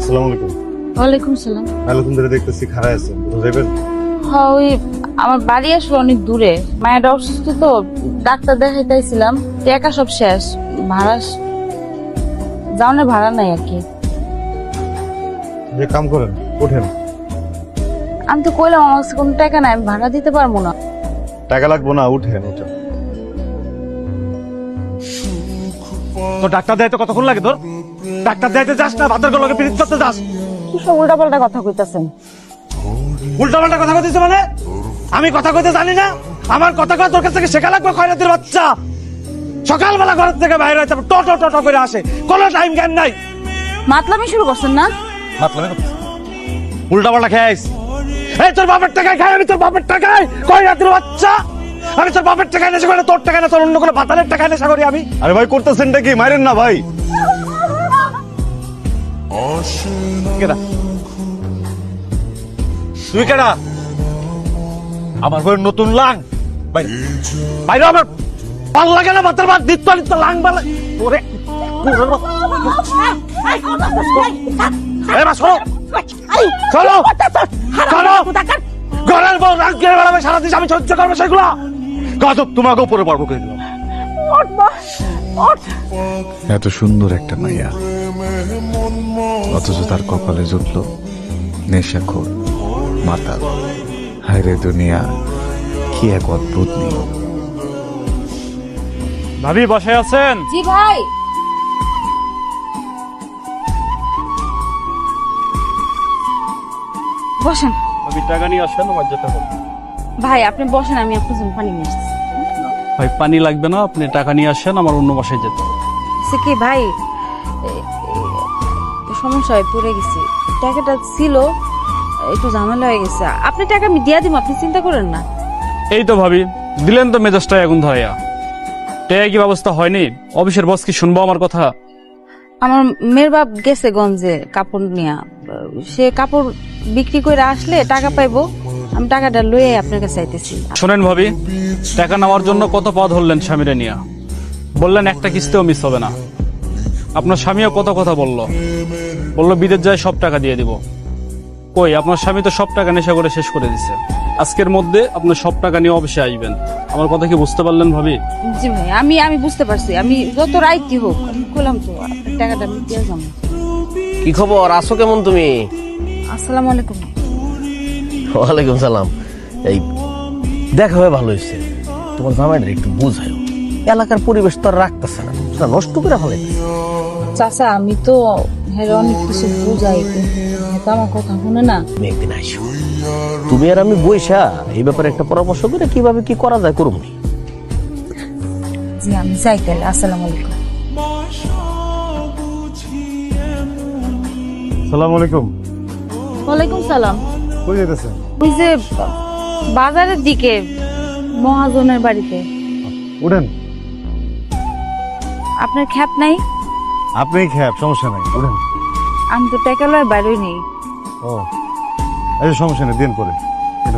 আসসালামু আলাইকুম। ওয়ালাইকুম সালাম। আলাইকুম ধরে দেখতেছি খারাপ আছে, কোথাও যাবেন? হ্যাঁ, ওই আমার বাড়ি আসলে অনেক দূরে, মায়ের অসুস্থ তো, ডাক্তার দেখাইতেছিলাম, টাকা সব শেষ, ভাড়া যাওয়ার ভাড়া নাই আর কি। যে কাম করেন ওঠেন। আমি তো কইলাম আমার কাছে কোনো টাকা নাই, আমি ভাড়া দিতে পারবো না। টাকা লাগবো না, উঠেন উঠেন। তো ডাক্তার দেয় তো কতক্ষণ লাগে তোর? ডাক্তার দেয়তে যাস না, ভাতের গলকে পিরিত করতে যাস। কি সব উল্টা পাল্টা কথা কইতাছেন? উল্টা পাল্টা কথা কইতেছ মানে? আমি কথা কইতে জানি না? আমার কথা কয় তোর কাছ থেকে শেখা লাগবে, খয়রাতির বাচ্চা। সকালবেলা ঘর থেকে বাইরে হইতে টো টো টো টো করে আসে, কোনো টাইম জ্ঞান নাই। মাতলামি শুরু করছেন না? উল্টা পাল্টা খাইস। এই তোর বাপের টাকায় খাই, আমি তোর বাপের টাকায়, খয়রাতির বাচ্চা। আমি তোর বাপের টাকায় নেশা করি, তোর টাকায় না, তোর অন্য কোনো পাতালের টাকায় নেশা করি আমি। আরে ভাই করতেছেনটা কি? মারেন না ভাই। কেডা? তুই কেডা? আমার বই নতুন লাং বাইরে, আমার ভাল লাগে না, ভাতের ভাত দিত নিত লাং বালা ওরে ঘরের বউ রাগ করে বেড়াবে সারাদিন, আমি সহ্য করবো সেগুলো? গজব তোমাকে উপরে পারবো করে দিলাম। এত সুন্দর একটা মাইয়া, অথচ তার কপালে জুটল নেশাখোর, মাতাল। হায়রে দুনিয়া, কি এক অদ্ভুত নিয়ম। ভাবি বসে আছেন? জি ভাই। বসেন ভাবি টাকা নিয়ে আসেন, আমার যেতে হবে। ভাই, আপনি বসেন, আমি আপনার জন্য পানি নিয়ে আসছি। ভাই পানি লাগবে না, আপনি টাকা নিয়ে আসেন, আমার অন্য বাসায় যেতে হবে। সে কি ভাই, সমস্যা হয়ে পড়ে গেছি, টাকাটা ছিল, একটু ঝামেলা হয়ে গেছে। আপনি টাকা আমি দিয়া দিব, আপনি চিন্তা করেন না। এই তো ভাবি দিলেন তো মেজাজটা এখন ধরাইয়া। টাকা কি ব্যবস্থা হয়নি? অফিসের বস কি শুনবো আমার কথা? আমার মেয়ের বাপ গেছে গঞ্জে কাপড় নিয়া, সে কাপড় বিক্রি করে আসলে টাকা পাইবো, আমি টাকাটা লয়ে আপনার কাছে চাইতেছি। শোনেন ভাবি, টাকা নেওয়ার জন্য কত পথ হলেন স্বামীরে নিয়া, বললেন একটা কিস্তিও মিস হবে না। আপনার স্বামীও কত কথা বললো বিদেশ যায় সব টাকা দিয়ে দিব। কই, আপনার স্বামী তো সব টাকা নেশা করে শেষ করে দিচ্ছে। আজকের মধ্যে আপনার সব টাকা নিয়ে অফিসে আসবেন। আমার কথা কি বুঝতে পারলেন ভাবি? জি ভাই, আমি বুঝতে পারছি, আমি যত রাইতি হোক আমি কইলাম তো, আপনার টাকাটা আমি দিয়ে যাবো। কি খবর, আছো কেমন তুমি? আসসালামু আলাইকুম। ওয়ালাইকুম সালাম। এই দেখা হয়ে ভালো হয়েছে। তোমার জামাইটা একটু বুঝা요, এলাকার পরিবেশ তো আর রাখতেছে না, সেটা নষ্ট করে ফেলাইতেছে। চাচা, আমি তো অনেক কিছু বুঝাই, কিন্তু আমার কথা শুনে না। তুমি একদিন আইসো, তুমি আর আমি বইসা এই ব্যাপারে একটা পরামর্শ করে কিভাবে কি করা যায় করুন। জি, আমি যাই তাহলে। আসসালামু আলাইকুম। আসসালামু আলাইকুম। ওয়ালাইকুম সালাম। কই যেতেছেন? ওই যে বাজারের দিকে, মহাজনের বাড়িতে। উঠেন। আপনার খ্যাপ নাই? আপনি খেয়ে সমস্যা নাই, উঠেন। আমি তো টাকা লয় বাইরেই নেই। ও এই সমস্যা নেই, দিন পরে উঠেন।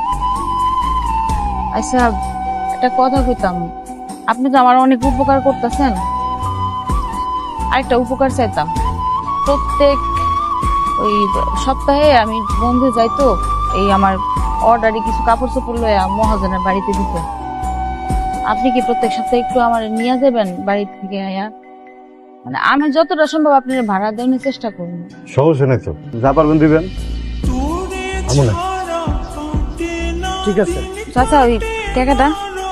আচ্ছা, একটা কথা কইতাম, আপনি তো আমার অনেক উপকার করতেছেন, আরেকটা উপকার চাইতাম। প্রত্যেক ওই সপ্তাহে আমি বন্ধু যাইতো, এই আমার অর্ডারে কিছু কাপড় চোপড় লয়ে মহাজনের বাড়িতে দিতে। আপনি কি প্রত্যেক সপ্তাহে একটু আমার নিয়ে যাবেন বাড়ি থেকে আয়া? মানে আমি যতটা সম্ভব আপনার ভাড়া দেওয়ার চেষ্টা করবো। সমস্যা নেই তো, যা পারবেন দিবেন। আমু না, ঠিক আছে। চাচা, ওই টাকাটা,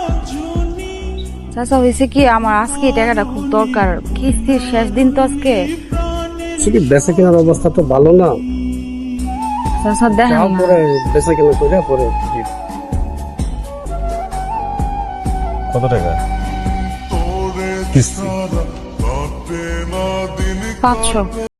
চাচা হয়েছে কি, আমার আজকে এই টাকাটা খুব দরকার, কিস্তির শেষ দিন তো আজকে। বেচা কেনার অবস্থা তো ভালো না, চাচা দেখেন না। পরে বেচা কেনা করে পরে কত টাকা কিস্তি? 500।